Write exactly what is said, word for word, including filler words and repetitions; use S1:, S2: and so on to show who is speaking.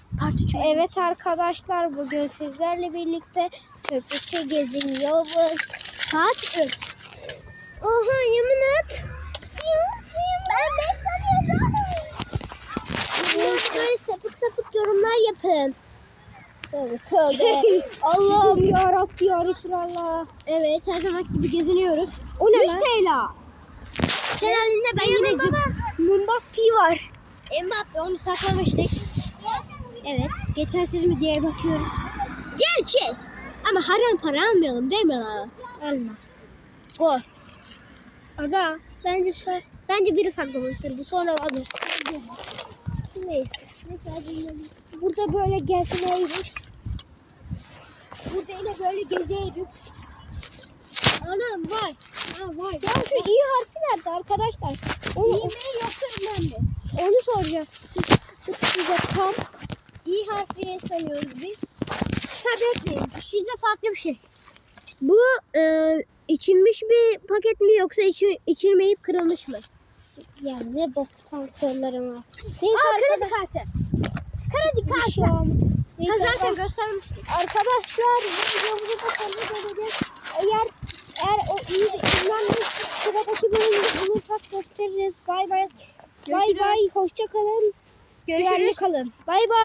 S1: Part üç.
S2: Evet arkadaşlar, bugün sizlerle birlikte köpükte geziniyoruz.
S1: Part üç.
S2: Oha, yemin et.
S1: Ben beş sanıyordum. Böyle sapık sapık yorumlar yapın.
S2: Tövbe tövbe. Allah'ım yarabbim ya Resulallah.
S1: Evet, her zaman gibi geziniyoruz.
S2: O ne
S1: yüz
S2: lan?
S1: T L. Sen halinde ben yine
S2: Yanında da Mbappe var.
S1: Mbappe onu saklamıştık. Evet, geçersiz mi diye bakıyoruz. Gerçek. Ama haram para almayalım değil mi abi?
S2: Alma.
S1: Gol.
S2: Aga bence şu, bence biri saklamıştır. Bu sonra adı. Neyse. Burada böyle gezmeyiz.
S1: Burada yine böyle gezeydik. Anam vay. Ha vay.
S2: Ya şu i harfi nerede arkadaşlar? Onu,
S1: İyi mi yoksa önemli?
S2: onu soracağız. Tık size tam.
S1: İyi harfi sanıyoruz biz. Tabii ki. Size farklı bir şey. Bu e, içilmiş bir paket mi yoksa içi, içilmeyip kırılmış mı?
S2: Ya ne boktan sorularım var. Neyse
S1: Aa, kredi
S2: arkadaşlar.
S1: kartı. Kredi
S2: Bir
S1: kartı.
S2: şey olmaz.
S1: Ha,
S2: Neyse,
S1: zaten
S2: ar-
S1: göstermiştik.
S2: arkadaşlar videomuzu da sonuna geleceğiz. Eğer eğer o iyi izlenmiş sıradaki bölümde bulursak gösteririz. Bay bay. Bay
S1: Görüşürüz.
S2: bay. Hoşça kalın. Güvenli
S1: Görüşürüz.
S2: kalın. Bay bay.